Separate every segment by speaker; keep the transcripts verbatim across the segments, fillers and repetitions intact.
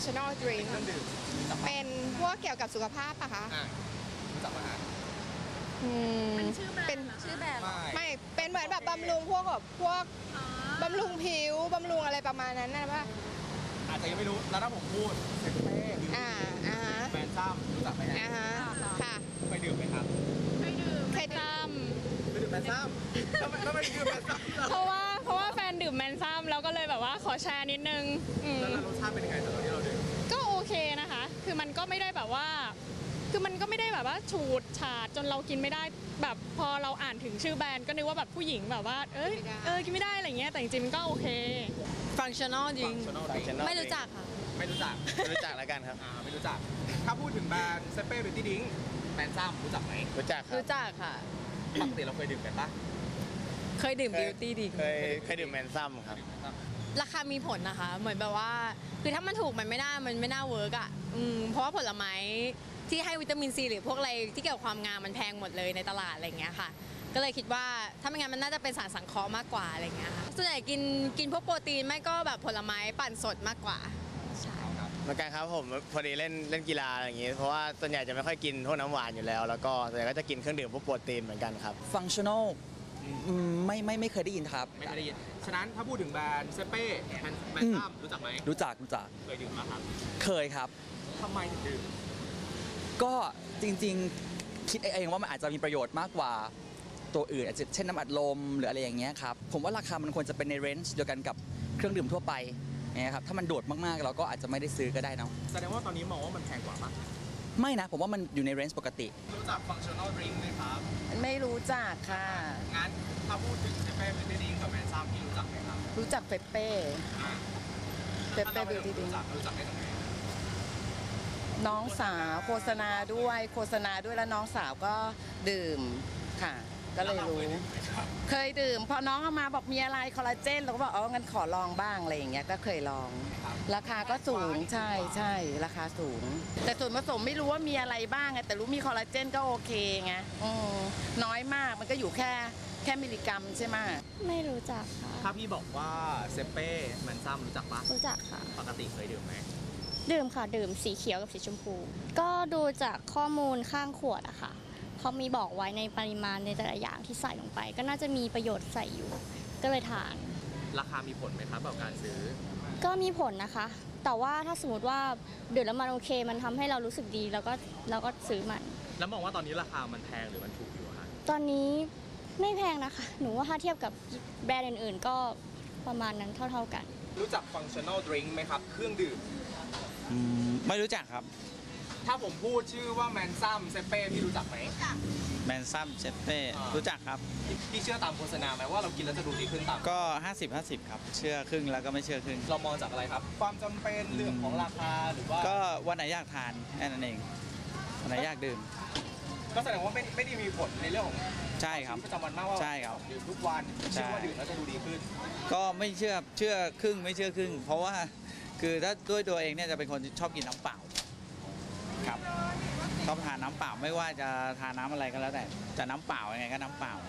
Speaker 1: functional drink เป็นพวกเกี่ยวกับสุขภาพปะคะ
Speaker 2: รู้จักไหมฮะ
Speaker 1: เป็นชื่อแบรนด์เป็นชื่อแบรนด์ไม่เป็นเหมือนแบบบำรุงพวกแบบพวกบำรุงผิวบำรุงอะไรประมาณนั้นนะป่ะ
Speaker 2: อาจจะยังไม่รู้แล้วถ้าผมพูดเซเป้
Speaker 1: อ่าอ่า
Speaker 2: แบรนด์ซ้ำรู้จักไหมฮะ
Speaker 1: อ่าฮะค่ะ
Speaker 2: เคยดื่มไหมครับ
Speaker 1: เคยดื่มเคยดื่ม
Speaker 2: เคยดื่มแบรนด์ซ้ำทำไมทำไมดื่มแบรนด์ซ้ำ
Speaker 3: เพราะว่าเพราะว่าแฟนดื่มแมนซัมแล้วก็เลยแบบว่าขอแชร์นิดนึง
Speaker 2: แล้วรสชาติเป็นยังไงตอนที่เราดื่ม
Speaker 3: ก็โอเคนะคะคือมันก็ไม่ได้แบบว่าคือมันก็ไม่ได้แบบว่าฉูดฉาดจนเรากินไม่ได้แบบพอเราอ่านถึงชื่อแบรนด์ก็นึกว่าแบบผู้หญิงแบบว่าเอ้ยเออกินไม่ได้อะไรเงี้ยแต่จริงๆมันก็โอเค
Speaker 4: ฟังชั่นอลจริงไม่รู้จักค่ะ
Speaker 2: ไม่รู้จัก
Speaker 5: ไม่รู้จักแล้วกันครับ
Speaker 2: อ่าไม่รู้จักถ้าพูดถึงแบรนด์เซเป้บิวตี้ดิ้งแบรนด์ซ้ำรู้จักไหม
Speaker 5: รู้จักครับ
Speaker 4: รู้จักค่ะ
Speaker 2: ปกติเราเคยดื่มกันปะ
Speaker 4: เคยดื่มบิวตี้ดิ้ง
Speaker 5: เคยเคยดื่มแมนซัมครับ
Speaker 4: ราคามีผลนะคะเหมือนแบบว่าคือถ้ามันถูกมันไม่น่ามันไม่น่าเวิร์กอ่ะอืมเพราะว่าผลไม้ที่ให้วิตามินซีหรือพวกอะไรที่เกี่ยวกับความงามมันแพงหมดเลยในตลาดอะไรเงี้ยค่ะก็เลยคิดว่าถ้าไม่งั้นมันน่าจะเป็นสารสังเคราะห์มากกว่าอะไรเงี้ยค่ะส่วนใหญ่กินกินพวกโปรตีนไม่ก็แบบผลไม้ปั่นสดมากกว่าใช่
Speaker 5: เหมือนกันครับผมพอดีเล่นเล่นกีฬาอะไรอย่างงี้เพราะว่าส่วนใหญ่จะไม่ค่อยกินพวกน้ำหวานอยู่แล้วแล้วก็ส่วนใหญ่ก็จะกินเครื่องดื่มพวกโปรตีนเหมือนกันครับ
Speaker 6: ฟังชั่นอลไม่ไม่ไม่เคยได้ยินครับ
Speaker 2: ไม่เคยได้ยินฉะนั้นถ้าพูดถึงแบรนด์เซเป้แบรนด์ซ้ำรู้จักไหม
Speaker 6: รู้จักรู้จัก
Speaker 2: เคยดื่มมาครับ
Speaker 6: เคยครับ
Speaker 2: ทำไมถึงดื่ม
Speaker 6: ก็จริงๆคิดเองว่ามันอาจจะมีประโยชน์มากกว่าตัวอื่นอาจจะเช่นน้ำอัดลมหรืออะไรอย่างเงี้ยครับผมว่าราคามันควรจะเป็นในเรนจ์เดียวกันกับเครื่องดื่มทั่วไปเนี่ยครับถ้ามันโดดมากๆเราก็อาจจะไม่ได้ซื้อก็ได้นะ
Speaker 2: แสดงว่าตอนนี้มองว่ามันแพงกว่าปะ
Speaker 6: ไม่นะผมว่ามันอยู่ในเรนจ์ปกติ
Speaker 2: รู้จัก functional drink ไหมครับ
Speaker 7: ไม่รู้จักค่ะ
Speaker 2: งั้นถ้าพูดถึงเซเป้บิวตี้ดิ้งกับแมนซัมพี่รู้จักไหมครับ
Speaker 7: รู้จักเปเป้เปเป้บิวตี้ดิ้ง
Speaker 2: รู้จักได้ตรงไหน
Speaker 7: น้องสาวโฆษณาด้วยโฆษณาด้วยแล้วน้องสาวก็ดื่มค่ะก็เลยรู้เคยดื่มพอน้องเอามาบอกมีอะไรคอลลาเจนเราก็บอกอ๋องั้นขอลองบ้างอะไรอย่างเงี้ยก็เคยลองราคาก็สูงใช่ใช่ราคาสูงแต่ส่วนผสมไม่รู้ว่ามีอะไรบ้างไงแต่รู้มีคอลลาเจนก็โอเคไงน้อยมากมันก็อยู่แค่แค่มิลลิกรัมใช่ไหม
Speaker 3: ไม่รู้จักค่ะ
Speaker 2: ถ้าพี่บอกว่าเซเป้แมนซัมรู้จักปะ
Speaker 3: รู้จักค่ะ
Speaker 2: ปกติเคยดื่มไหม
Speaker 3: ดื่มค่ะดื่มสีเขียวกับสีชมพูก็ดูจากข้อมูลข้างขวดอะค่ะเขามีบอกไว้ในปริมาณในแต่ละอย่างที่ใส่ลงไปก็น่าจะมีประโยชน์ใส่อยู่ก็เลยทาน
Speaker 2: ราคามีผลไหมครับกับการซื้อ
Speaker 3: ก็มีผลนะคะแต่ว่าถ้าสมมติว่าดื่มแล้วมันโอเคมันทำให้เรารู้สึกดีแล้วก็เราก็ซื้อมัน
Speaker 2: แล้วมองว่าตอนนี้ราคามันแพงหรือมันถูกอยู่คะ
Speaker 3: ตอนนี้ไม่แพงนะคะหนูว่าถ้าเทียบกับแบรนด์อื่นๆก็ประมาณนั้นเท่าๆกัน
Speaker 2: รู้จัก functional drink ไหมครับเครื่องดื่ม
Speaker 5: ไม่รู้จักครับ
Speaker 2: ถ้าผมพูดชื่อว่าแมนซัมเซเป้พี่รู้จักไหม
Speaker 5: แมนซัมเซเป้รู้จักครับ
Speaker 2: พี่เชื่อตามโฆษณาไหมว่าเรากินแล้วจะดูดีขึ้นตาม
Speaker 5: ก็ห้าสิบ ห้าสิบครับเชื่อครึ่งแล้วก็ไม่เชื่อครึ่ง
Speaker 2: เรามองจากอะไรครับความจำเป็นเรื่องของราคาหรือว่า
Speaker 5: ก็วันไหนอยากทานแค่นั้นเองวันไหนอยากดื่ม
Speaker 2: ก็แสดงว่าไม่ไม่ได้มีผลในเรื่องของ
Speaker 5: ใช่ครับ
Speaker 2: ประจำวันมากว่า
Speaker 5: ใช่ครับ
Speaker 2: ดื่มทุกวันเชื่อว่าดื่มแล้วจะดูดีขึ้น
Speaker 5: ก็ไม่เชื่อเชื่อครึ่งไม่เชื่อครึ่งเพราะว่าคือถ้าด้วยตัวเองเนี่ยจะเป็นคนชอบกินน้ำเปล่าครับชอบทานน้ำเปล่าไม่ว่าจะทานน้ำอะไรก็แล้วแต่จะน้ำเปล่ายังไงก็น้ำเปล่า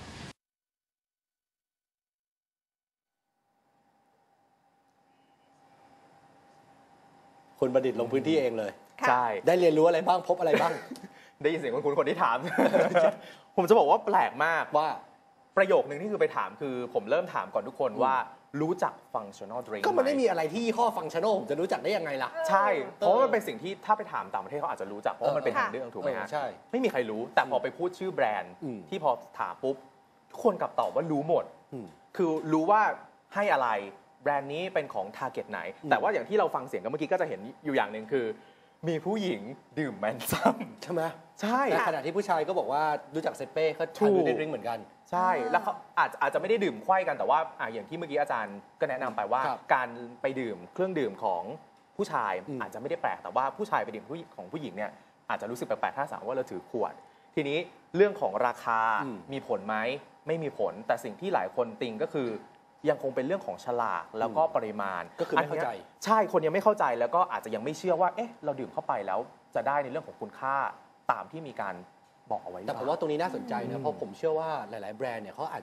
Speaker 8: คุณประดิษฐ์ลงพื้นที่เองเลย
Speaker 2: ใช่
Speaker 8: ได้เรียนรู้อะไรบ้างพบอะไรบ้าง
Speaker 2: ได้ยินเสียงคุณคนที่ถามผมจะบอกว่าแปลกมาก
Speaker 8: ว่า
Speaker 2: ประโยคนึงที่คือไปถามคือผมเริ่มถามก่อนทุกคนว่ารู้จัก functional drink
Speaker 8: ก็มันไม่มีอะไรที่ข้อ functional ผมจะรู้จักได้ยังไงล่ะ
Speaker 2: ใช่เพราะมันเป็นสิ่งที่ถ้าไปถามต่างประเทศเขาอาจจะรู้จักเพราะมันเป็นทางเรื่องถูกไหมฮะ
Speaker 8: ใช่
Speaker 2: ไม่มีใครรู้แต่พอไปพูดชื่อแบรนด์ที่พอถามปุ๊บทุกคนกลับตอบว่ารู้หมดคือรู้ว่าให้อะไรแบรนด์นี้เป็นของ target ไหนแต่ว่าอย่างที่เราฟังเสียงกันเมื่อกี้ก็จะเห็นอยู่อย่างหนึ่งคือมีผู้หญิงดื่มแมนซัม
Speaker 8: ใช่ไหม
Speaker 2: ใช่
Speaker 8: ในขณะที่ผู้ชายก็บอกว่ารู้จักเซเป้เขาทานดูได้ดริงเหมือนกัน
Speaker 2: ใช่แล้วเขาอาจอาจจะไม่ได้ดื่มไขว้กันแต่ว่าอ่าอย่างที่เมื่อกี้อาจารย์ก็แนะนำไปว่าการไปดื่มเครื่องดื่มของผู้ชายอาจจะไม่ได้แปลกแต่ว่าผู้ชายไปดื่มของผู้หญิงเนี่ยอาจจะรู้สึกแปลกๆถ้าสมมติว่าเราถือขวดทีนี้เรื่องของราคามีผลไหมไม่มีผลแต่สิ่งที่หลายคนติงก็คือยังคงเป็นเรื่องของฉลากแล้วก็ปริมาณ
Speaker 8: ก็คือไม่เข้าใจ
Speaker 2: ใช่คนยังไม่เข้าใจแล้วก็อาจจะยังไม่เชื่อว่าเอ๊ะเราดื่มเข้าไปแล้วจะได้ในเรื่องของคุณค่าตามที่มีการบอกเอาไว้
Speaker 8: แต่ผมว่าตรงนี้น่าสนใจนะเพราะผมเชื่อว่าหลายๆแบรนด์เนี่ยเขาอาจจะ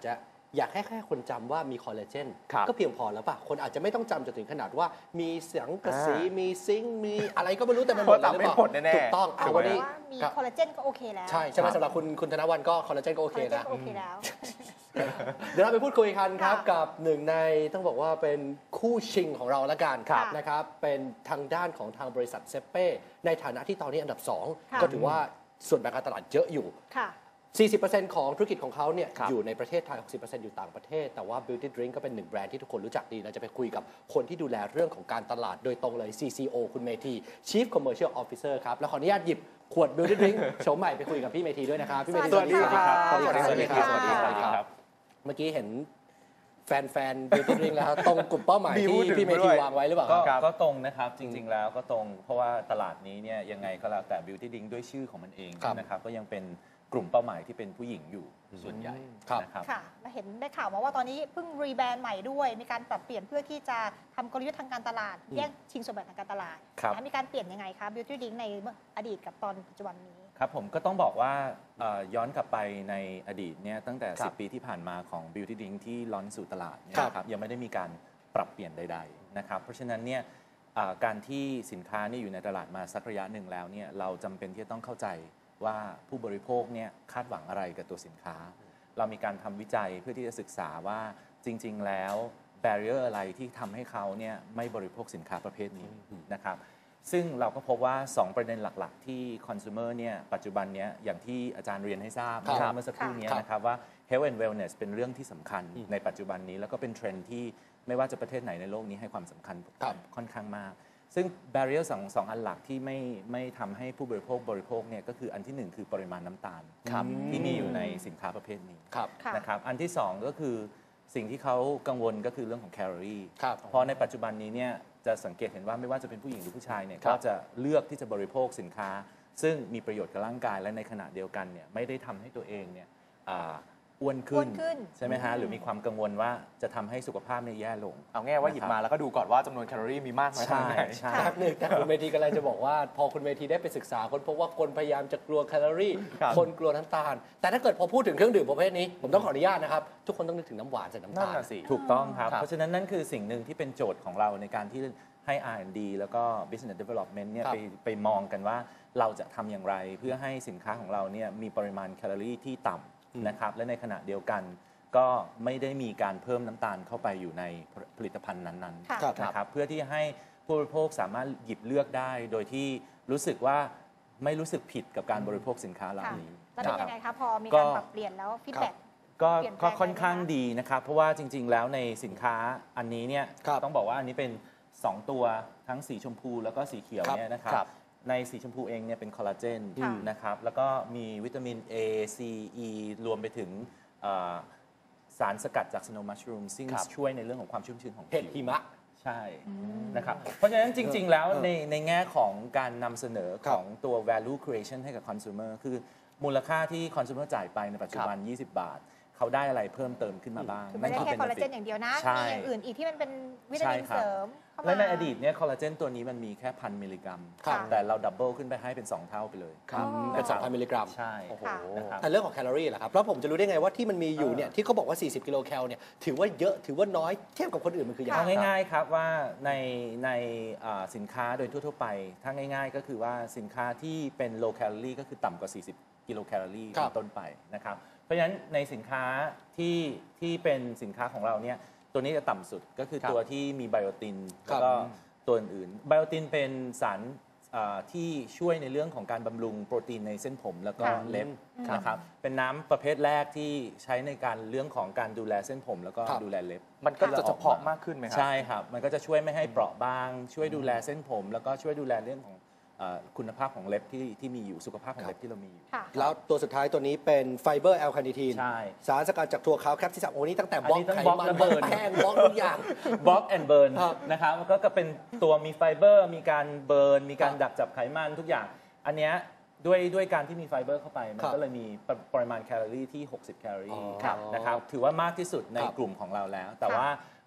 Speaker 8: อยากให้แค่คนจำว่ามีคอลลาเจน
Speaker 2: ครับ
Speaker 8: ก็เพียงพอแล้วป่ะคนอาจจะไม่ต้องจำจนถึงขนาดว่ามีสังกะสี
Speaker 2: อ่ามี
Speaker 8: มีซิงค์มีอะไรก็ไม่รู้แต่มันห
Speaker 2: เพ
Speaker 8: มด
Speaker 2: ราะจำ
Speaker 8: เลยห
Speaker 2: ไม่
Speaker 8: รือ
Speaker 2: หม
Speaker 8: เป
Speaker 2: ด
Speaker 8: ล่า
Speaker 2: แน่ๆ
Speaker 8: ถูกต้อง
Speaker 2: ถู
Speaker 8: เอา
Speaker 2: กไหม
Speaker 8: วันนี้
Speaker 9: ว่ามี
Speaker 8: ครับ
Speaker 9: คอลลาเจนก็โอเคแล้ว
Speaker 8: ใช่ใช่ไหม
Speaker 2: ครับ
Speaker 8: สำหรับคุณคุณธนวันก็คอลลาเจนก็โอ
Speaker 9: ค
Speaker 8: เค
Speaker 9: อลลาเจน
Speaker 8: นะ
Speaker 9: ก็โอเคแล้ว
Speaker 8: เดี๋ยวเราไปพูดคุยกันครับ
Speaker 9: ค่ะ
Speaker 8: กับหนึ่งในต้องบอกว่าเป็นคู่ชิงของเราละกัน
Speaker 9: ครับ
Speaker 8: นะครับเป็นทางด้านของทางบริษัทเซเป้ในฐานะที่ตอนนี้อันดับสอง
Speaker 9: ค่ะ
Speaker 8: ก็ถือว่าส่วนแบ่งการตลาดเยอะอยู่
Speaker 9: ค่ะ
Speaker 8: สี่สิบเปอร์เซ็นต์ ของธุรกิจของเขาเนี่ย
Speaker 2: ครับ
Speaker 8: อยู่ในประเทศไทย หกสิบเปอร์เซ็นต์ อยู่ต่างประเทศ แต่ว่า Beauty Drink ก็เป็นหนึ่งแบรนด์ที่ทุกคนรู้จักดี เราจะไปคุยกับคนที่ดูแลเรื่องของการตลาดโดยตรงเลย ซี ซี โอ คุณเมธี Chief Commercial Officer ครับ แล้วขออนุญาตหยิบขวด Beauty Drink โฉมใหม่ไปคุยกับพี่เมธีด้วยนะครับ พี่เมธี
Speaker 9: สวัสดีครับ
Speaker 8: สวัสดีครับ
Speaker 9: สวัสดีครับ
Speaker 8: สวัสดีครับ
Speaker 9: สวัสดีครับ
Speaker 8: เมื่อกี้เห็นแฟนๆ Beauty Drink แล้วตรงกลุ่มเป้าหมาย
Speaker 2: บิว
Speaker 8: ที่
Speaker 2: ถึง
Speaker 8: พี่เม
Speaker 2: ด้
Speaker 8: ธี
Speaker 2: วย
Speaker 8: วางไว้หรือเปล่า
Speaker 10: ก็
Speaker 8: ครับ
Speaker 10: ก็ตรงนะครับจริง ๆ แล้วก็ตรงเพราะว่าตลาดนี้เนี่ยยังไงก็แล้วแต่ Beauty Drink ด้วยชื่อของมันเอง
Speaker 8: ครับ
Speaker 10: นะครับก็ยังเป็นกลุ่มเป้าหมายที่เป็นผู้หญิงอยู่ส่วนใหญ่
Speaker 8: ครับ
Speaker 10: นะครับ
Speaker 9: ค่ะและเห็นได้ข่าวมาว่าตอนนี้เพิ่งรีแบรนด์ใหม่ด้วย มีการปรับเปลี่ยนเพื่อที่จะทำกลยุทธ์ทางการตลาด แย่งชิงส่วนแบ่งทางการตลาด
Speaker 10: ครับ
Speaker 9: นะมีการเปลี่ยนยังไงคะ Beauty Drink ในอดีตกับตอนปัจจุบันนี้
Speaker 10: ครับผมก็ต้องบอกว่าเอ่อย้อนกลับไปในอดีตเนี่ยตั้งแต่
Speaker 8: ครับ
Speaker 10: สิบ ปีที่ผ่านมาของ Beauty Drink ที่ล้อนสู่ตลาดเนี่ย
Speaker 8: ครับ
Speaker 10: นะครับยังไม่ได้มีการปรับเปลี่ยนใดๆนะครับเพราะฉะนั้นเนี่ยอ่าการที่สินค้าเนี่ยอยู่ในตลาดมาสักระยะหนึ่งแล้วเนี่ยเราจำเป็นที่จะต้องเข้าใจว่าผู้บริโภคเนี่ยคาดหวังอะไรกับตัวสินค้า เรามีการทำวิจัยเพื่อที่จะศึกษาว่าจริง ๆ แล้ว แบเรียร์ อะไรที่ทำให้เขาเนี่ยไม่บริโภคสินค้าประเภทนี้นะครับซึ่งเราก็พบว่า สอง ประเด็นหลักๆ ที่คอน sumer เนี่ยปัจจุบันเนี้ยอย่างที่อาจารย์เรียนให้ทราบ
Speaker 8: ครับ
Speaker 10: เมื่อสักครู่เนี้ย
Speaker 8: ครับ
Speaker 10: นะครับว่า health and wellness เป็นเรื่องที่สำคัญในปัจจุบันนี้ แล้วก็เป็นเทรนด์ที่ไม่ว่าจะประเทศไหนในโลกนี้ให้ความสำคัญ
Speaker 8: ครับ
Speaker 10: ค่อนข้างมาก ซึ่ง barrier สองสองอันหลักที่ไม่ไม่ทำให้ผู้บริโภคบริโภคเนี่ยก็คืออันที่หนึ่งคือปริมาณน้ำตาล
Speaker 8: ครับ
Speaker 10: ที่มีอยู่ในสินค้าประเภทนี้
Speaker 8: ครับ
Speaker 9: ค่ะ
Speaker 10: นะครับอันที่สองก็คือสิ่งที่เขากังวลก็คือเรื่องของแคลอรี่
Speaker 8: ครับ
Speaker 10: เพราะในปัจจุบันนี้เนี่ยจะสังเกตเห็นว่าไม่ว่าจะเป็นผู้หญิงหรือผู้ชายเนี่ย
Speaker 8: ครับ
Speaker 10: ก็จะเลือกที่จะบริโภคสินค้า ซึ่งมีประโยชน์กับร่างกายและในขณะเดียวกันเนี่ยไม่ได้ทำให้ตัวเองเนี่ยอ่าอ้วนขึ้
Speaker 9: อ้วนขึ้น
Speaker 10: ใช่ไหมฮะหรือมีความกังวลว่าจะทำให้สุขภาพเนี่ยแย่ลง
Speaker 2: เอาง่ายว่าหยิบมาแล้วก็ดูก่อนว่าจำนวนแคลอรี่มีมากน้อยขนาดไหน
Speaker 10: ใช่
Speaker 8: แป๊บหนึงแต่คุณเมธีกำลังจะบอกว่า พอคุณเมธีได้ไปศึกษาคนพบว่าคนพยายามจะกลัวแคลอรี่
Speaker 2: ครับ
Speaker 8: คนกลัวน้ำตาล แต่ถ้าเกิดพอพูดถึงเครื่องดื่มประเภทนี้ ผมต้องขออนุญาตนะครับ ทุกคนต้องนึกถึงน้ำหวานใส่น้ำ
Speaker 2: นั่น
Speaker 8: ตาล
Speaker 2: น่ะสิ
Speaker 10: ถูกต้องครับ
Speaker 8: ครับ
Speaker 10: เพราะฉะนั้นนั่นคือสิ่งหนึ่งที่เป็นโจทย์ของเราในการที่ให้ อาร์ แอนด์ ดี แล้วก็ Business Development เนี่ย
Speaker 8: ครับ
Speaker 10: ไปไปมองกันว่าเราจะทำอย่างไรเพื่อให้สินค้าของเราเนี่ยมีปริมาณแคลอรี่ที่ต่ำนะครับและในขณะเดียวกันก็ไม่ได้มีการเพิ่มน้ำตาลเข้าไปอยู่ในผลิตภัณฑ์นั้น
Speaker 9: ค่ะ
Speaker 8: ครับ
Speaker 10: ๆนะครับเพื่อที่ให้ผู้บริโภคสามารถหยิบเลือกได้ โดยที่รู้สึกว่าไม่รู้สึกผิดกับการบริโภคสินค้าเหล่า
Speaker 9: ค่ะ
Speaker 10: นี้
Speaker 9: แล้วเป็น
Speaker 10: ครั
Speaker 9: ยั
Speaker 10: บ
Speaker 9: งไงคะพอมี
Speaker 10: ก็
Speaker 9: การปรับเปลี่ยนแล้วฟีดแบ็ก
Speaker 10: ก็
Speaker 9: เปลี่ยนแปลง
Speaker 10: ก็ค่อนข้าง
Speaker 9: ไปไหมคะ
Speaker 10: ดีนะครับ เพราะว่าจริง ๆ แล้วในสินค้าอันนี้เนี่ย
Speaker 8: ครับ
Speaker 10: ต้องบอกว่าอันนี้เป็น สอง ตัวทั้งสีชมพูแล้วก็สีเขียว
Speaker 8: ครับ
Speaker 10: เนี่ยนะครับ
Speaker 2: ครับ
Speaker 10: ในสีชมพูเองเนี่ยเป็นคอลลาเจน
Speaker 9: ค่ะ
Speaker 10: นะครับแล้วก็มีวิตามิน A C E รวมไปถึงเอ่อสารสกัดจากสโนว์มัชรูมซึ่ง
Speaker 8: ครับ
Speaker 10: ช่วยในเรื่องของความชุ่มชื้นของ
Speaker 8: เห็ด
Speaker 10: ผิว
Speaker 8: หิมะ
Speaker 10: ใช่นะครับเพราะฉะนั้นจริง ๆ แล้ว
Speaker 8: เออ
Speaker 10: ในในแง่ของการนำเสนอ
Speaker 8: ครั
Speaker 10: ข
Speaker 8: บ
Speaker 10: องตัว value creation ให้กับ consumer คือมูลค่าที่ consumer จ่ายไปในปัจจุบัน ยี่สิบบาท เขาได้อะไรเพิ่มเติมขึ้นมาบ้าง
Speaker 9: คือไม่ได้แค่
Speaker 10: ป็
Speaker 9: คอลลาเจน
Speaker 10: benefit
Speaker 9: อย่างเดียวนะ
Speaker 10: ใช่
Speaker 9: มีอย่างอื่นอีกที่มันเป็นวิตามิน
Speaker 10: ใช่ครับ
Speaker 9: เสริมเข้ามา
Speaker 10: และในอดีตเนี่ยคอลลาเจนตัวนี้มันมีแค่พันมิลลิกรัม
Speaker 8: ครับ
Speaker 10: แต่เราดับเบิลขึ้นไปให้เป็น สอง เท่าไปเลย
Speaker 8: ครับ
Speaker 9: อ๋อ
Speaker 8: เป็นสองพันมิลลิกรัม
Speaker 10: ใช่
Speaker 2: โอ้โห
Speaker 9: ค่ะ
Speaker 10: นะครับ
Speaker 8: แต่เรื่องของแคลอรี่ล่ะครับ แล้วผมจะรู้ได้ไงว่าที่มันมีอยู่เนี่ยที่เขาบอกว่า สี่สิบ กิโลแคลเนี่ยถือว่าเยอะถือว่าน้อยเทียบกับคนอื่นมันคือยังไง
Speaker 10: เอา
Speaker 8: ครับ
Speaker 10: ง่ายๆครับว่าในในอ่าสินค้าโดยทั่วๆไป ถ้าง่ายๆก็คือว่าสินค้าที่เป็น low calorie ก็คือต่ำกว่า สี่สิบ กิโลแคลอรี่
Speaker 8: ครับ
Speaker 10: เป็นต้นไปนะครับเพราะฉะนั้นในสินค้าที่ที่เป็นสินค้าของเราเนี่ยตัวนี้จะต่ำสุดก็คือ
Speaker 2: ครับ
Speaker 10: ตัวที่มีไบโอติน
Speaker 8: ครั
Speaker 10: แล้
Speaker 8: บ
Speaker 10: วก็ตัวอื่นๆไบโอตินเป็นสารอ่าที่ช่วยในเรื่องของการบำรุงโปรตีนในเส้นผมแล้วก็
Speaker 9: ค่ะ
Speaker 10: เล็บนะครับเป็นน้ำประเภทแรกที่ใช้ในการเรื่องของการดูแลเส้นผมแล้วก็
Speaker 8: ครับ
Speaker 10: ดูแลเล็บ
Speaker 2: มันก็จะเฉพาะมากขึ้นไหมครั
Speaker 10: ใช่ครับ มันก็จะช่วยไม่ให้เปราะบาง ช่วยดูแลเส้นผม แล้วก็ช่วยดูแลเรื่องของเอ่อคุณภาพของเล็บที่ที่มีอยู่ สุขภาพของเล็บที่เรามีอยู่
Speaker 9: ค่ะ
Speaker 8: แล้วตัวสุดท้ายตัวนี้เป็นไฟเบอร์แอลคาเนทีน
Speaker 10: ใช่
Speaker 8: สารสกัดจากถั่วขาวแคปซิซัมโอ้นี่ตั้งแต่
Speaker 10: อัน
Speaker 8: บล็อก
Speaker 10: นี้ต้อง
Speaker 8: ไข
Speaker 10: บล็อก
Speaker 8: มัน
Speaker 10: และ
Speaker 8: บล็อก
Speaker 10: เบิร์น
Speaker 8: แป้งบล็อกทุกอย่าง
Speaker 10: บล็อกแอนด์เบิร์น
Speaker 8: ครับ
Speaker 10: นะครับก็ก็เป็นตัวมีไฟเบอร์ มีการเบิร์น มีการ
Speaker 8: ครับ
Speaker 10: ดักจับไขมันทุกอย่าง อันเนี้ยด้วยด้วยการที่มีไฟเบอร์เข้าไป มัน
Speaker 8: ครับ
Speaker 10: ก็เลยมีปรปริมาณแคลอรี่ที่ หกสิบ แคลอ
Speaker 8: อ๋
Speaker 10: รี่
Speaker 8: อ
Speaker 10: นะครับถือว่ามากที่สุดใน
Speaker 8: ครับ
Speaker 10: กลุ่มของเราแล้ว แต่
Speaker 9: ค่ะ
Speaker 10: ว่า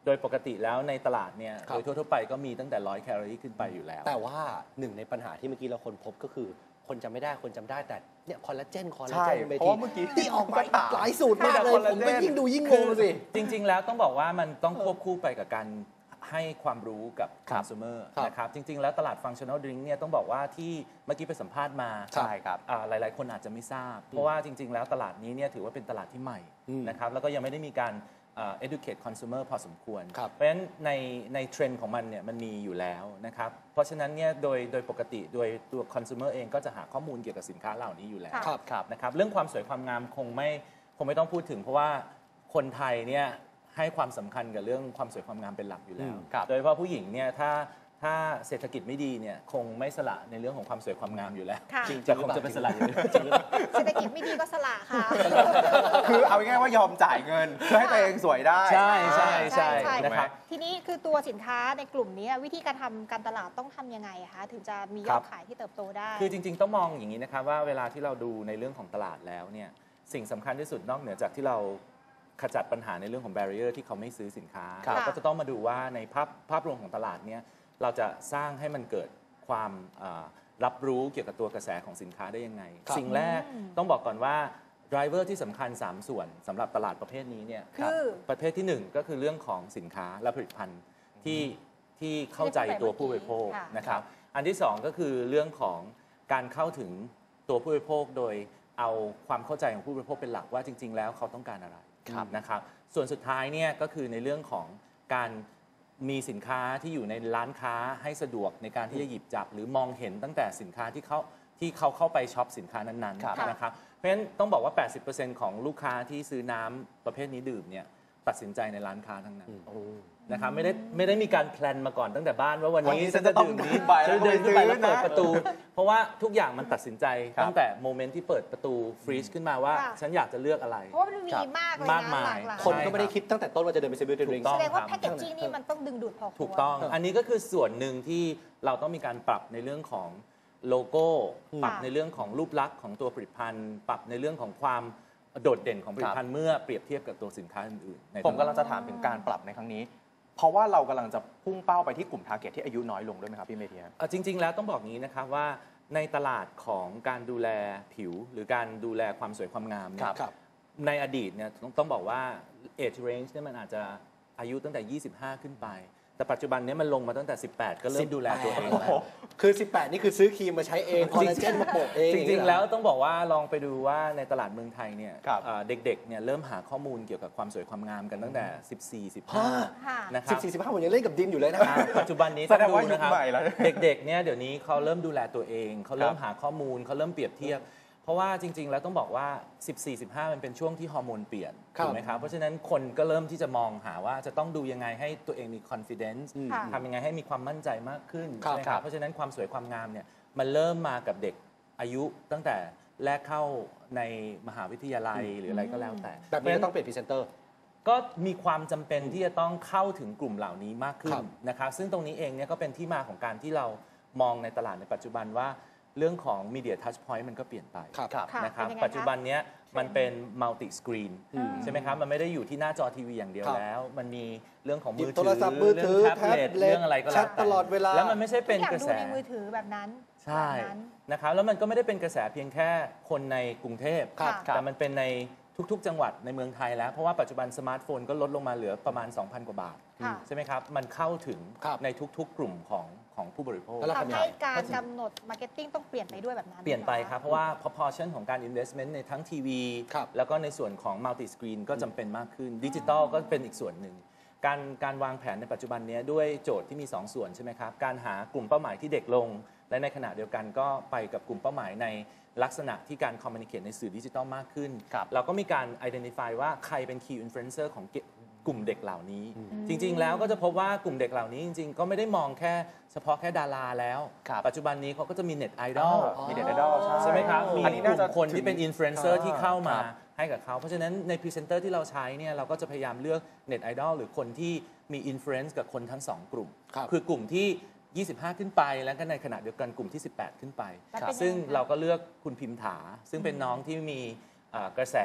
Speaker 10: โดยปกติแล้วในตลาดเนี่ย
Speaker 8: ครั
Speaker 10: โด
Speaker 8: บ
Speaker 10: ยทั่วๆไปก็มีตั้งแต่ร้อยแคลอรี่ขึ้นไปอยู่แล้ว
Speaker 8: แต่ว่าหนึ่งในปัญหาที่เมื่อกี้เราคนพบก็คือ คนจำไม่ได้คนจำได้แต่เนี่ยคอลลาเจนคอลลา
Speaker 2: ใช่
Speaker 8: เจนเม
Speaker 2: เพราะ
Speaker 8: ที
Speaker 2: ว่าเมื่อกี้
Speaker 8: ที่ออกมาอีกหลายสูตรมาก
Speaker 2: แต่
Speaker 8: เลย
Speaker 2: คอลลา
Speaker 8: ผม
Speaker 2: เจน
Speaker 8: ก็ยิ่งดูยิ่งงงสิ
Speaker 10: จริง ๆ แล้วต้องบอกว่ามันต้องควบคู่ไปกับการให้ความรู้กับ consumer
Speaker 8: ครับ
Speaker 10: นะครับจริง ๆ แล้วตลาด functional drink เนี่ยต้องบอกว่าที่เมื่อกี้ไปสัมภาษณ์มา
Speaker 2: ใช่ครับ
Speaker 10: อ่าหลาย ๆ คนอาจจะไม่ทราบ เพราะว่าจริง ๆ แล้วตลาดนี้เนี่ยถือว่าเป็นตลาดที่ใหม่
Speaker 8: อืม
Speaker 10: นะครับแล้วก็ยังไม่ได้มีการอ่า educate consumer พอสมควร
Speaker 8: ครับ
Speaker 10: เพราะฉะนั้นในในเทรนด์ของมันเนี่ยมันมีอยู่แล้วนะครับเพราะฉะนั้นเนี่ยโดยโดยปกติโดยตัว consumer เองก็จะหาข้อมูลเกี่ยวกับสินค้าเหล่านี้อยู่แล้ว
Speaker 8: ครับครับ
Speaker 10: นะครับเรื่องความสวยความงามคงไม่คงไม่ต้องพูดถึง เพราะว่าคนไทยเนี่ยให้ความสำคัญกับเรื่องความสวยความงามเป็นหลักอยู่แล้ว
Speaker 8: อืมครับ
Speaker 10: โดยเฉพาะผู้หญิงเนี่ยถ้าถ้าเศรษฐกิจไม่ดีเนี่ยคงไม่สละในเรื่องของความสวยความงามอยู่แล้ว
Speaker 9: ค่ะ
Speaker 10: จริงๆคงจะเป็นสละอยู่แล้ว
Speaker 9: เศรษฐกิจไม่ดีก็สละค่ะ
Speaker 2: คือเอาง่ายๆว่ายอมจ่ายเงินเพื่อให้ตัวเองสวยได้
Speaker 10: ใช่ใช่ใช่
Speaker 9: ใช่
Speaker 10: นะครับ
Speaker 9: ทีนี้คือตัวสินค้าในกลุ่มนี้วิธีการทำการตลาดต้องทำยังไงคะถึงจะมีย
Speaker 10: ครั
Speaker 9: อด
Speaker 10: บ
Speaker 9: ขายที่เติบโตได้
Speaker 10: คือจริง ๆ ต้องมองอย่างนี้นะครับว่าเวลาที่เราดูในเรื่องของตลาดแล้วเนี่ยสิ่งสำคัญที่สุดนอกเหนือจากที่เราขจัดปัญหาในเรื่องของ barrier ที่เขาไม่ซื้อสินค้า
Speaker 9: ครับ
Speaker 10: เราก็จะต้องมาดูว่าในภาพภาพรวมของตลาดเนี่ยเราจะสร้างให้มันเกิดความอ่ารับรู้เกี่ยวกับตัวกระแสของสินค้าได้ยังไง
Speaker 8: ครับ
Speaker 10: สิ่งแรกต้องบอกก่อนว่า driver ที่สำคัญ สาม ส่วนสำหรับตลาดประเภทนี้เนี่ย
Speaker 9: คือ
Speaker 10: ประเภทที่หนึ่งก็คือเรื่องของสินค้าและผลิตภัณฑ์ที่ที่เข้าใจตัวผู้บริโภค
Speaker 9: ค่ะ
Speaker 10: นะครับ อันที่สองก็คือเรื่องของการเข้าถึงตัวผู้บริโภคโดยเอาความเข้าใจของผู้บริโภคเป็นหลักว่าจริง ๆ แล้วเขาต้องการอะไร
Speaker 8: ครับ
Speaker 10: นะครับ ส่วนสุดท้ายเนี่ยก็คือในเรื่องของการมีสินค้าที่อยู่ในร้านค้าให้สะดวกในการที่จะหยิบจับ หรือมองเห็นตั้งแต่สินค้าที่เขาที่เขาเข้าไปช็อปสินค้านั้น
Speaker 8: ครับ
Speaker 10: ๆนะครับ เพราะฉะนั้นต้องบอกว่า แปดสิบเปอร์เซ็นต์ ของลูกค้าที่ซื้อน้ำประเภทนี้ดื่มเนี่ยตัดสินใจในร้านค้าทั้งนั้น
Speaker 8: โอ้
Speaker 10: นะครับไม่ได้ไม่ได้มีการแพลนมาก่อนตั้งแต่บ้านว่าวัน
Speaker 2: วัน
Speaker 10: นี้
Speaker 2: นี้
Speaker 10: ฉันจะดื่มนี้
Speaker 2: ฉันจะต้องไป
Speaker 10: ฉันจะเดินขึ้นไปแล้ว
Speaker 2: แล้วก็ไปซื้อ
Speaker 10: เปิด
Speaker 2: นะ
Speaker 10: ประตู เพราะว่าทุกอย่างมันตัดสินใจ
Speaker 2: ครับ
Speaker 10: ตั้งแต่โมเมนต์ที่เปิดประตูฟรีซขึ้นมาว่า
Speaker 9: ค่ะ
Speaker 10: ฉันอยากจะเลือกอะไร
Speaker 9: เพราะว่ามันมีมากเลย
Speaker 10: มาก
Speaker 9: นะ
Speaker 10: มาย
Speaker 9: หลากหลาย
Speaker 8: คนก็ไม่ได้คิดตั้งแต่ต้นว่าจะเดินไปซื้อบิวตี้ดริง
Speaker 10: ถูกต้
Speaker 9: แส
Speaker 10: อง
Speaker 9: ดงว่าแพคเกจจิ้งนี่มันต้องดึงดูดพอควร
Speaker 10: ถูกต้อง อันนี้ก็คือส่วนหนึ่งที่เราต้องมีการปรับในเรื่องของโลโก้ ปรับในเรื่องของรูปลักษณ์ของตัวผลิตภัณฑ์ ปรับในเรื่องของความโดดเด่นของผลิตภัณฑ์เมื่อเปรียบเทียบกับตัวสินค้าอื่นๆในต
Speaker 2: ผมกำลังจะถามถึงการปรับในครั้งนี้ เพราะว่าเรากำลังจะพุ่งเป้าไปที่กลุ่มทาร์เก็ตที่อายุน้อยลงด้วยไหมครับพี่เมธีฮะ
Speaker 10: เอ่อจริง ๆ แล้วต้องบอกงี้นะครับว่าในตลาดของการดูแลผิว หรือการดูแลความสวยความงามเนี่ย
Speaker 8: ครับ
Speaker 10: ในอดีตเนี่ยต้องต้องบอกว่า age range เนี่ยมันอาจจะอายุตั้งแต่ ยี่สิบห้า ขึ้นไป แต่ปัจจุบันเนี้มันลงมาตั้งแต่ สิบแปด ก็เริ่มดูแลตัวเองแล้ว
Speaker 8: คือ สิบแปด นี่คือซื้อครีมมาใช้เองคอลลาเจนมาโปะเอง
Speaker 10: จริง ๆ แล้วต้องบอกว่าลองไปดูว่าในตลาดเมืองไทยเนี่ย
Speaker 2: ครับ
Speaker 10: เอ่อเด็กๆเนี่ยเริ่มหาข้อมูลเกี่ยวกับความสวยความงามกันตั้งแต่ สิบสี่ สิบ
Speaker 8: ฮะ
Speaker 10: ห้า
Speaker 9: ค่ะ
Speaker 10: นะค
Speaker 8: สิ
Speaker 10: รั
Speaker 8: บบ สี่สิบห้าผมยังเล่นกับดินอยู่เลยนะ
Speaker 10: อ่าปัจจุบันนี้
Speaker 2: แสดงว่า
Speaker 10: ต้องนะครับ
Speaker 2: ยุคใหม่แล้ว
Speaker 10: เด็กๆเนี่ยเดี๋ยวนี้เขาเริ่มดูแลตัวเองเขาเริ่มหาข้อมูลเขาเริ่มเปรียบเทียบ เพราะว่าจริง ๆ แล้วต้องบอกว่า สิบสี่ สิบห้า มันเป็นช่วงที่ฮอร์โมนเปลี่ยน
Speaker 8: ครับ
Speaker 10: ถูกไหมครับเพราะฉะนั้นคนก็เริ่มที่จะมองหาว่าจะต้องดูยังไงให้ตัวเองมี confidence
Speaker 9: ค่ะ
Speaker 10: ทำยังไงให้มีความมั่นใจมากขึ้น
Speaker 8: ครับ
Speaker 10: ใช่ไหมครับเพราะฉะนั้นความสวยความงามเนี่ยมันเริ่มมากับเด็กอายุตั้งแต่แรกเข้าในมหาวิทยาลัยหรืออะไรก็แล้วแต่
Speaker 8: แบบนี้ก็ต้องเปลี่ยนพรีเซนเตอร์
Speaker 10: ก็มีความจำเป็นที่จะต้องเข้าถึงกลุ่มเหล่านี้มากขึ้
Speaker 8: ครั
Speaker 10: น
Speaker 8: บ
Speaker 10: นะครับซึ่งตรงนี้เองเนี่ยก็เป็นที่มาของการที่เรามองในตลาดในปัจจุบันว่าเรื่องของ Media Touch Point มันก็เปลี่ยนไป
Speaker 8: ครับ
Speaker 9: ค่ะ
Speaker 10: นะครับ
Speaker 9: เป็นยังไง
Speaker 10: ปัจจุบันเนี้ยมันเป็น multi screen
Speaker 9: อืม
Speaker 10: ใช่ไหมครับมันไม่ได้อยู่ที่หน้าจอทีวีอย่างเดียว
Speaker 8: ครับ
Speaker 10: แล้ว มันมีเรื่องของ
Speaker 8: หยิ
Speaker 10: มื
Speaker 8: บ
Speaker 10: อ
Speaker 8: โท
Speaker 10: ถื
Speaker 8: ร
Speaker 10: อ
Speaker 8: ศัพท์มือถือ
Speaker 10: เรื่องแท็บเล็ต
Speaker 8: แท็บเล็ต
Speaker 10: เรื่องอะไรก็
Speaker 8: แช
Speaker 10: แล้ว
Speaker 8: ท
Speaker 10: แต่
Speaker 8: ตลอดเวลา
Speaker 10: แล้วมันไม่ใช่เป็น
Speaker 9: ทุกอย่าก
Speaker 10: ระ
Speaker 9: ดู
Speaker 10: แส
Speaker 9: ในมือถือแบบนั้น
Speaker 10: ใช่
Speaker 9: แบบนั้น
Speaker 10: นะครับแล้วมันก็ไม่ได้เป็นกระแสเพียงแค่คนในกรุงเทพ
Speaker 9: ครับ
Speaker 10: แต่มันเป็นในทุกๆ จังหวัดในเมืองไทยแล้ว เพราะว่าปัจจุบันสมาร์ทโฟนก็ลดลงมาเหลือประมาณ สองพัน กว่าบาท
Speaker 9: ค่ะ
Speaker 10: ใช่ไหมครับ มันเข้าถึง
Speaker 8: ครับ
Speaker 10: ในทุกๆ กลุ่มของของผู้บริโภค
Speaker 8: แล้วเรา
Speaker 9: ทำให้การกำหนดมาร์เก็ตติ้งต้องเปลี่ยนไปด้วยแบบนั้น
Speaker 10: เปลี่ยนไป
Speaker 9: หอ
Speaker 10: ครับ เพราะว่า proportion ของการ investment ในทั้งทีวี
Speaker 8: ครับ
Speaker 10: แล้วก็ในส่วนของ multi screen ก็จำเป็นมากขึ้นดิจิตอลก็เป็นอีกส่วนหนึ่ง การการวางแผนในปัจจุบันนี้ด้วยโจทย์ที่มี สอง ส่วนใช่ไหมครับ การหากลุ่มเป้าหมายที่เด็กลง และในขณะเดียวกันก็ไปกับกลุ่มเป้าหมายในลักษณะที่การ communicate ในสื่อดิจิทัลมากขึ้น
Speaker 2: ครับ
Speaker 10: เราก็มีการ identify ว่าใครเป็น key influencer ของเกกลุ่มเด็กเหล่านี้ จริง ๆ แล้วก็จะพบว่ากลุ่มเด็กเหล่านี้จริง ๆ ก็ไม่ได้มองแค่เฉพาะแค่ดาราแล้ว
Speaker 2: ครับ
Speaker 10: ปัจจุบันนี้เขาก็จะมีเน็ตไอดอล
Speaker 2: มีเด็ดไอดอล
Speaker 10: ใช่ไหมครับ มี
Speaker 2: อันนี้
Speaker 10: ก
Speaker 2: น่า
Speaker 10: ลุ่
Speaker 2: จะ
Speaker 10: มคนที่เป็นอินฟลูเอนเซอร์
Speaker 2: อ่า
Speaker 10: ที่เข้ามา
Speaker 2: ครับ
Speaker 10: ให้กับเขา เพราะฉะนั้นในพรีเซนเตอร์ที่เราใช้เนี่ยเราก็จะพยายามเลือกเน็ตไอดอลหรือคนที่มีอินฟลูเอนซ์กับคนทั้งสองกลุ่ม
Speaker 8: ครับ
Speaker 10: คือกลุ่มที่ ยี่สิบห้า ขึ้นไป แล้วก็ในขณะเดียวกันกลุ่มที่ สิบแปด ขึ้นไป
Speaker 9: แล้วเป็นยังไง
Speaker 10: ซึ่ง
Speaker 9: คะ
Speaker 10: เราก็เลือกคุณพิมถา ซึ่งเป็นน้องที่มีอ่ากระแส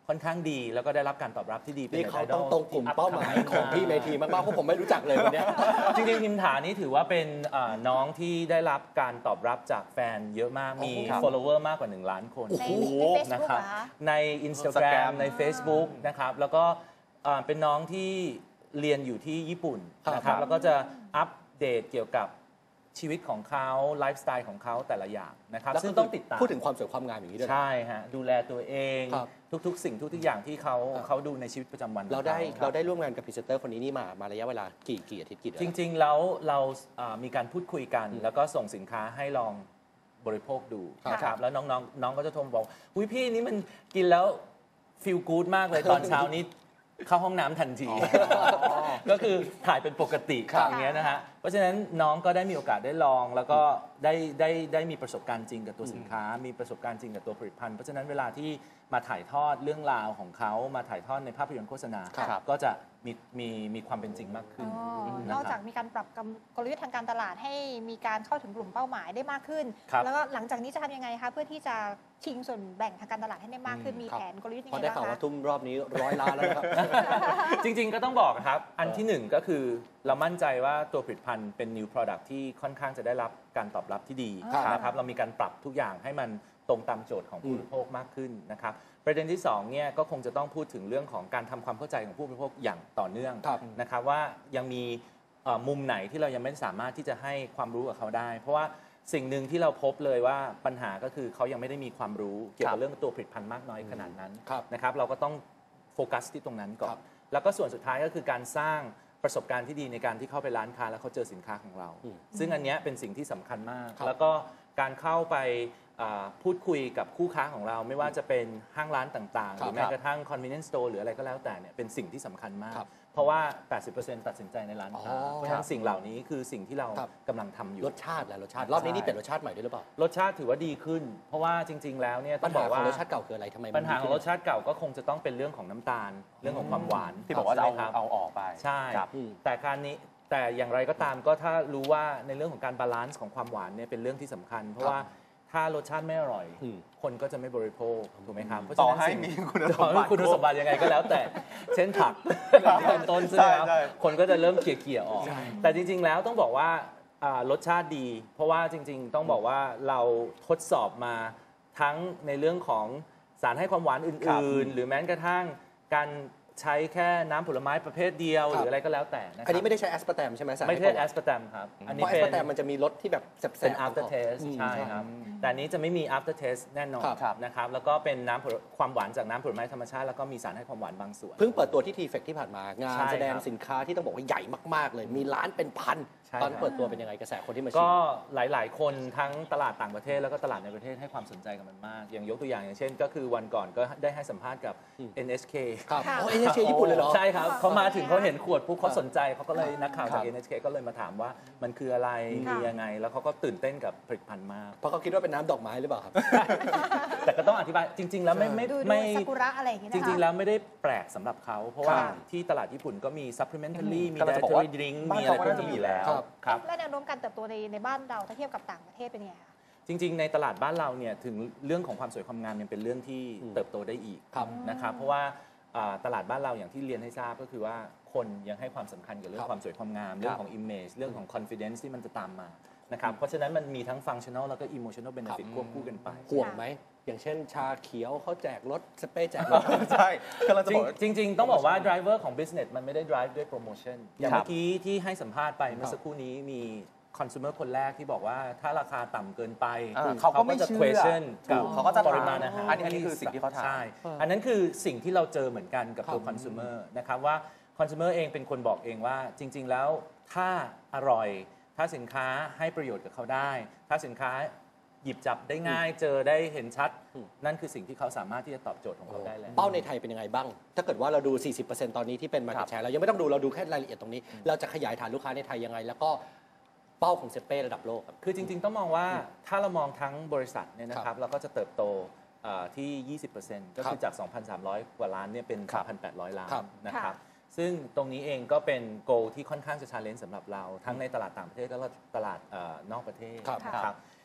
Speaker 10: ค่อนข้างดี แล้วก็ได้รับการตอบรับที่ดีเป็น
Speaker 8: นี่เขา
Speaker 10: ไอด
Speaker 8: ต้
Speaker 10: อ
Speaker 8: อง
Speaker 10: ล
Speaker 8: ตรงกลุ่มเป้าหมายของพี่เมธีมากๆเพราะผมไม่รู้จักเลยวันเนี้ย
Speaker 10: จริงๆพิมถานี่ถือว่าเป็นเอ่อน้องที่ได้รับการตอบรับจากแฟนเยอะมากมี
Speaker 8: ครับ
Speaker 10: follower มากกว่าหนึ่งล้านคน
Speaker 9: ใน
Speaker 8: โอ้โห
Speaker 9: ใน
Speaker 10: นะ
Speaker 9: Facebook
Speaker 10: ครับ
Speaker 9: เหรอคะ
Speaker 10: ใน Instagram
Speaker 2: Instagram
Speaker 10: ใน Facebook นะครับแล้วก็เอ่อเป็นน้องที่เรียนอยู่ที่ญี่ปุ่นนะครับแล้วก็จะอัปเดตเกี่ยวกับชีวิตของเขาไลฟ์สไตล์ของเขาแต่ละอย่างนะครับ
Speaker 8: แล้ว
Speaker 10: ซึ่ง
Speaker 8: ก็
Speaker 10: ต้องติดตาม
Speaker 8: พูดถึงความสวยความงามอย่างนี้ด้วยนะ
Speaker 10: ใช่ฮะดูแลตัวเอง
Speaker 8: ครับ
Speaker 10: ทุกๆ สิ่งทุกๆอย่างที่เขา
Speaker 8: ครับ
Speaker 10: เขาดูในชีวิตประจำวัน
Speaker 8: เราได้
Speaker 10: ของข
Speaker 8: เราได้ร่วมงานกับพรีเซนเตอร์คนนี้นี่มามาระยะเวลากี่กี่อาทิตย์กี่เดือน
Speaker 10: จริง ๆ แล้วเราเอ่อมีการพูดคุยกัน แล้วก็ส่งสินค้าให้ลองบริโภคดู
Speaker 8: ครับ
Speaker 10: นะครับแล้วน้องๆน้องก็จะโทรมาบอกอุ้ยพี่นี่มันกินแล้วฟีลกู๊ดมากเลยตอนเช้านี้เข้าห้องน้ำทันที ก็คือถ่ายเป็นปกติ
Speaker 8: ครับ
Speaker 10: อย่างเงี้ยนะฮะเพราะฉะนั้นน้องก็ได้มีโอกาสได้ลอง แล้วก็ได้ได้ได้มีประสบการณ์จริงกับตัวสินค้า มีประสบการณ์จริงกับตัวผลิตภัณฑ์เพราะฉะนั้นเวลาที่มาถ่ายทอดเรื่องราวของเขามาถ่ายทอดในภาพยนตร์โฆษณา
Speaker 8: ครับ
Speaker 10: ก็จะมีมีมีความเป็นจริงมากขึ้น
Speaker 9: อ๋อ
Speaker 10: นะ
Speaker 9: นอก
Speaker 10: ค
Speaker 9: จา
Speaker 10: รั
Speaker 9: ก
Speaker 10: บ
Speaker 9: มีการปรับกลยุทธ์ทางการตลาดให้มีการเข้าถึงกลุ่มเป้าหมายได้มากขึ้น
Speaker 10: ครับ
Speaker 9: แล้วก็หลังจากนี้จะทำยังไงคะเพื่อที่จะชิงส่วนแบ่งทางการตลาดให้ได้มากขึ้น มี
Speaker 8: ครับ
Speaker 9: แผนกลยุทธ์ยัง
Speaker 8: พอ
Speaker 9: ไง
Speaker 8: ได้
Speaker 9: บ้าง
Speaker 8: ข่าว
Speaker 9: คะ
Speaker 8: ว่าทุ่มรอบนี้ร้อยล้านแล้วนะครับ
Speaker 10: จริงๆ ก็ต้องบอกครับ อันที่หนึ่งก็คือเรามั่นใจว่าตัวผลิตภัณฑ์เป็น new product ที่ค่อนข้างจะได้รับการตอบรับที่ดี
Speaker 8: ครับ
Speaker 10: นะครับเรามีการปรับทุกอย่างให้มันตรงตามโจทย์ของผู้บริโภคมากขึ้นนะครับประเด็นที่สองเนี่ยก็คงจะต้องพูดถึงเรื่องของการทำความเข้าใจของผู้บริโภคอย่างต่อเนื่อง
Speaker 8: ครับ
Speaker 10: นะครับว่ายังมีเอ่อมุมไหนที่เรายังไม่สามารถที่จะให้ความรู้กับเขาได้ เพราะว่าสิ่งหนึ่งที่เราพบเลยว่าปัญหาก็คือเขายังไม่ได้มีความรู้เกี่ยวกับเรื่องตัวผลิตภัณฑ์มากน้อยขนาดนั้น
Speaker 8: ครับ
Speaker 10: นะครับเราก็ต้องโฟกัสที่ตรงนั้นก่อ
Speaker 8: ครั
Speaker 10: น
Speaker 8: บ
Speaker 10: แล้วก็ส่วนสุดท้ายก็คือการสร้างประสบการณ์ที่ดีในการที่เข้าไปร้านค้าแล้วเขาเจอสินค้าของเรา
Speaker 8: อืม
Speaker 10: ซึ่งอันเนี้ยเป็นสิ่งที่สำคัญมาก
Speaker 8: ครับ
Speaker 10: แล้วก็การเข้าไปอ่าพูดคุยกับคู่ค้าของเรา ไม่ว่าจะเป็นห้างร้านต่างๆ ห
Speaker 8: ครับ
Speaker 10: รือแม้กระทั่ง convenience store หรืออะไรก็แล้วแต่เนี่ยเป็นสิ่งที่สำคัญมาก
Speaker 8: ครับ
Speaker 10: เพราะว่า แปดสิบเปอร์เซ็นต์ ตัดสินใจในร้านค้า
Speaker 8: อ๋อ
Speaker 10: เพราะฉะนั้นสิ่งเหล่านี้คือสิ่งที่เรา
Speaker 8: ครับ
Speaker 10: กำลังทำอยู่
Speaker 8: รสชาติแหละรสชาติรอบนี้นี่เป็นรสชาติใหม่ด้วยหรือเปล่า
Speaker 10: รสชาติถือว่าดีขึ้น เพราะว่าจริง ๆ แล้วเนี่ยต้
Speaker 8: ปั
Speaker 10: อ
Speaker 8: ญ
Speaker 10: งบ
Speaker 8: หา
Speaker 10: อก
Speaker 8: ขอ
Speaker 10: ว่า
Speaker 8: งรสชาติเก่าคืออะไรทำไมมัน
Speaker 10: ปัญหาของรส
Speaker 8: ดีขึ้น
Speaker 10: ชาติเก่าก็คงจะต้องเป็นเรื่องของน้ำตาล เรื่องของความหวาน
Speaker 2: ที่บอกว่าจะเอา
Speaker 10: ใช่ไหมครับ
Speaker 2: เอาออกไป
Speaker 10: ใช่
Speaker 2: ครับ
Speaker 8: อืม
Speaker 10: แต่การนี้แต่อย่างไรก็ตามก็ถ้ารู้ว่าในเรื่องของการบาลานซ์ของความหวานเนี่ยเป็นเรื่องที่สำคัญ เพราะว่าถ้ารสชาติไม่อร่อย
Speaker 8: อืม
Speaker 10: คนก็จะไม่บริโภคถูกไหมครับเพราะ
Speaker 2: ต่
Speaker 10: ฉะ
Speaker 2: อ
Speaker 10: นั้น
Speaker 2: ให้
Speaker 10: สิ่ง
Speaker 2: มีคุณส
Speaker 10: ต่อ
Speaker 2: ม
Speaker 10: ให้
Speaker 2: บัติ
Speaker 10: คุณสมบัติยังไงก็แล้วแต่ เช่นผักอย่างที่เป็นต้นใช่ไหมครับ
Speaker 2: ใช่
Speaker 10: คนก็จะเริ่มเขี่ยๆออก แต่จริง ๆ แล้วต้องบอกว่าอ่ารสชาติดี เพราะว่าจริง ๆ ต้องบอกว่าเราทดสอบมาทั้งในเรื่องของสารให้ความหวานอ
Speaker 2: ครับ
Speaker 10: ื่น ๆ หรือแม้กระทั่งการใช้แค่น้ำผลไม้ประเภทเดียว
Speaker 8: ครับ
Speaker 10: หรืออะไรก็แล้วแต่นะค
Speaker 8: อัน
Speaker 10: รับ
Speaker 8: นี้ไม่ได้ใช้แอสปาร์แตมใช่ไหมสาร
Speaker 10: ไม่
Speaker 8: ให้
Speaker 10: ใช่
Speaker 8: ควา
Speaker 10: แอ
Speaker 8: หวาน
Speaker 10: สปาร์ตมครับ อัน
Speaker 8: เพ
Speaker 10: นี้
Speaker 8: ราะแอส
Speaker 10: เป็น
Speaker 8: ปาร์แตมมันจะมีรสที่แบบแสบๆ
Speaker 10: เป็น after taste
Speaker 8: อืม
Speaker 10: ใช่ครับ แต่อันนี้จะไม่มี after taste แน่นอน
Speaker 8: ครับ
Speaker 10: นะครับ แล้วก็เป็นน้ำผลความหวานจากน้ำผลไม้ธรรมชาติ แล้วก็มีสารให้ความหวานบางส่วน
Speaker 8: เพิ่งเปิดตัวที่ทีเฟกที่ผ่านมางาน
Speaker 10: ใช่
Speaker 8: แสดง
Speaker 10: ครับ
Speaker 8: สินค้าที่ต้องบอกว่าใหญ่มากๆเลย มีร้านเป็นพัน
Speaker 10: ใช่
Speaker 8: ตอน
Speaker 10: ครับ
Speaker 8: เปิดตัวเป็นยังไงกระแสคนที่มาชิ
Speaker 10: ก็
Speaker 8: ม
Speaker 10: หลาย ๆ คนทั้งตลาดต่างประเทศแล้วก็ตลาดในประเทศให้ความสนใจกับมันมาก อย่างยกตัวอย่างอย่างเช่น ก็คือวันก่อนก็ได้ให้สัมภาษณ์กับ
Speaker 8: อืม
Speaker 10: เอ็น เอช เค
Speaker 8: ครับ
Speaker 9: ค่ะ
Speaker 8: โอ้เอ็นเอชเคญี่ปุ่นเลยเหรอ
Speaker 10: ใช่ครับเขามาถึงเขาเห็นขวดปุ๊บเขา
Speaker 8: ครับ
Speaker 10: สนใจเขาก็เลยนักข่าว
Speaker 8: ครั
Speaker 10: จาก
Speaker 8: บ
Speaker 10: เอ็น เอช เค ก็เลยมาถามว่ามันคืออะไร
Speaker 9: ค่ะ
Speaker 10: มียังไง แล้วเขาก็ตื่นเต้นกับผลิตภัณฑ์มาก
Speaker 8: เพราะเขาคิดว่าเป็นน้ำดอกไม้หรือเปล่าครับ
Speaker 10: แต่ก็ต้องอธิบายจริง ๆ แล้วไม่ไม่
Speaker 9: ดูดู
Speaker 10: ไม่
Speaker 9: ซากุระอะไรอย่างเงี้ย
Speaker 10: จ
Speaker 9: นะคะ
Speaker 10: ริง ๆ แล้วไม่ได้แปลกสำหรับเขา เพราะว่า
Speaker 9: ค่ะ
Speaker 10: ที่ตลาดญี่ปุ่นก็มี supplementary มี
Speaker 2: กำลังจะบอกว่า
Speaker 10: dietary drink
Speaker 2: บ้าน
Speaker 10: มีอะไร
Speaker 2: เขา
Speaker 10: พ
Speaker 2: ก็
Speaker 10: วก
Speaker 2: น่าจะ
Speaker 10: นี้
Speaker 2: มี
Speaker 10: อยู่แล้ว
Speaker 8: ครับ
Speaker 10: ครับ
Speaker 9: และแนวโน้มการเติบโตในในบ้านเราถ้าเทียบกับต่างประเทศเป็นยังไงคะ
Speaker 10: จริง ๆ ในตลาดบ้านเราเนี่ยถึงเรื่องของความสวยความงามยังเป็นเรื่องที่
Speaker 8: อืม
Speaker 10: เติบโตได้อีก
Speaker 8: ครับ
Speaker 10: นะครับเพราะว่าอ่าตลาดบ้านเราอย่างที่เรียนให้ทราบก็คือว่าคนยังให้ความสำคัญกับเรื่อ
Speaker 8: ครั
Speaker 10: ง
Speaker 8: บ
Speaker 10: ความสวยความงาม เรื่องของ image เรื่องของ confidence ที่มันจะตามมานะครับเพราะฉะนั้นมันมีทั้ง functional แล้วก็ emotional benefit ควบคู่กันไป
Speaker 8: ห่วงไหม อย่างเช่นชาเขียวเขาแจกรถสเปรย์แจกรถ
Speaker 2: ใช่กำลังจะบอกว่า
Speaker 10: จริงจริง ๆ ต้องบอกว่า driver ของ business มันไม่ได้ drive ด้วย promotion อย่าง
Speaker 2: ครับ
Speaker 10: เมื่อกี้ที่ให้สัมภาษณ์ไปเมื่อสักครู่นี้มี consumer คนแรกที่บอกว่าถ้าราคาต่ำเกินไป
Speaker 2: อ่าเขาก็ไม่
Speaker 10: จะ
Speaker 2: เชื่อ
Speaker 10: question
Speaker 2: ถู
Speaker 10: กับ
Speaker 2: กเขาก็จะ
Speaker 10: ปริมาณอาหาร
Speaker 2: อันนี้อันนี้คือสิ่งที่เขาถาม
Speaker 10: ใช่ อันนั้นคือสิ่งที่เราเจอเหมือนกันกับตัว
Speaker 8: ครับ
Speaker 10: consumer นะครับว่า consumer เองเป็นคนบอกเองว่าจริง ๆ แล้วถ้าอร่อย ถ้าสินค้าให้ประโยชน์กับเขาได้ ถ้าสินค้าหยิบจับได้ง่าย เจอได้เห็นชัด
Speaker 8: อืม
Speaker 10: นั่นคือสิ่งที่เขาสามารถที่จะตอบโจทย์ของเขาได้แล้ว
Speaker 8: เป้าในไทยเป็นยังไงบ้าง ถ้าเกิดว่าเราดู สี่สิบเปอร์เซ็นต์ ตอนนี้ที่เป็น market share เรายังไม่ต้องดูเราดูแค่รายละเอียดตรงนี้ เราจะขยายฐานลูกค้าในไทยยังไง แล้วก็เป้าของเซเป้ระดับโลกครับ
Speaker 10: คือจริง ๆ ต้องมองว่าถ้าเรามองทั้งบริษัทเนี่ยนะค
Speaker 8: ครั
Speaker 10: รับบ เราก็จะเติบโตเอ่อที่ ยี่สิบเปอร์เซ็นต์ ก็คือจาก สองพันสามร้อย กว่าล้านเนี่ยเป็น
Speaker 2: ครับ
Speaker 10: สามพันแปดร้อย ล้าน
Speaker 8: ครับ
Speaker 10: นะครับ ซึ่งตรงนี้เองก็เป็นโกที่ค่อนข้างจะชาเลนจ์สำหรับเรา ทั้งในตลาดต่างประเทศแล้วก็ตลาดเอ่อนอกประเทศ
Speaker 8: ครับ
Speaker 10: นะครับ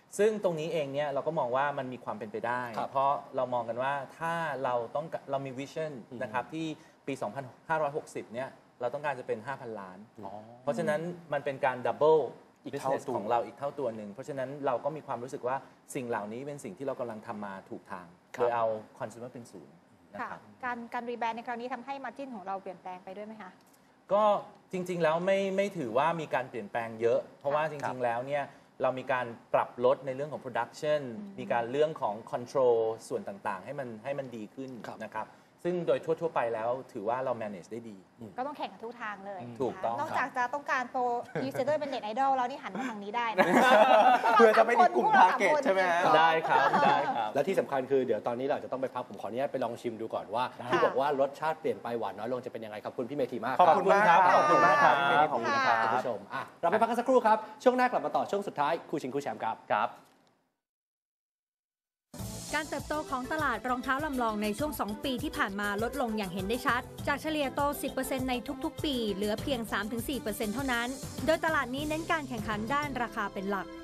Speaker 10: ซึ่งตรงนี้เองเนี่ยเราก็มองว่ามันมีความเป็นไปได้
Speaker 8: ครับ
Speaker 10: เพราะเรามองกันว่าถ้าเราต้องเรามีวิชั่น
Speaker 8: อืม
Speaker 10: นะครับที่ปี สองพันห้าร้อยหกสิบ เนี่ยเราต้องการจะเป็น ห้าพัน ล้าน
Speaker 8: อ๋อ
Speaker 10: เพราะฉะนั้นมันเป็นการดับเบิล
Speaker 8: อีกเท่า
Speaker 10: business
Speaker 8: ตัว
Speaker 10: ของเราอีกเท่าตัวหนึ่งเพราะฉะนั้นเราก็มีความรู้สึกว่าสิ่งเหล่านี้เป็นสิ่งที่เรากำลังทำมาถูกทาง
Speaker 8: ครับ
Speaker 10: โดยเอา consumer เป็นศูนย์นะ
Speaker 9: ค่ะ
Speaker 10: ครับ
Speaker 9: การการรีแบรนด์ในครั้งนี้ทำให้มาจิ้นของเราเปลี่ยนแปลงไปด้วยไหมคะ
Speaker 10: ก็จริงๆ แล้วไม่ไม่ถือว่ามีการเปลี่ยนแปลงเยอะ เพราะว่าจ
Speaker 8: ครั
Speaker 10: ริ
Speaker 8: บ
Speaker 10: งๆ แล้วเนี่ยเรามีการปรับลดในเรื่องของ production มีการเรื่องของ control ส่วนต่างๆ ให้มันให้มันดีขึ้น
Speaker 8: ครับ
Speaker 10: นะครับซึ่งโดยทั่วๆ ไปแล้วถือว่าเรา manage ได้ดี
Speaker 9: ก็ต้องแข่งกันทุกทางเลย
Speaker 10: ถูกต้อง
Speaker 9: นอกจากจะต้องการโปรยูเซอร์เป็นเน็ตไอดอลแล้วนี่หันมาทางนี้ได้นะ
Speaker 2: เพื่อจะไม่ได้กลุ่ม target ใช่ไหมฮะ
Speaker 10: ได้ครับได้ครับ
Speaker 8: และที่สำคัญคือเดี๋ยวตอนนี้เราจะต้องไปพักผมขออนุญาตไปลองชิมดูก่อนว่า ที่บอกว่ารสชาติเปลี่ยนไปหวานน้อยลงจะเป็นยังไงครับคุณพี่เมธีมาก
Speaker 2: ขอบคุณมากครับ
Speaker 8: ขอบคุณมากครับ
Speaker 2: ขอบคุณครับ
Speaker 8: คุณผู้ชมอ่ะเราไปพักกันสักครู่ครับช่วงหน้ากลับมาต่อช่วงสุดท้ายคู่ชิงคู่แชมป์ครับ
Speaker 2: ครับ
Speaker 11: การเติบโตของตลาดรองเท้าลำลองในช่วง สอง ปีที่ผ่านมาลดลงอย่างเห็นได้ชัด จากเฉลี่ยโต สิบเปอร์เซ็นต์ ในทุกๆ ปี เหลือเพียง สามถึงสี่เปอร์เซ็นต์ เท่านั้น โดยตลาดนี้เน้นการแข่งขันด้านราคาเป็นหลัก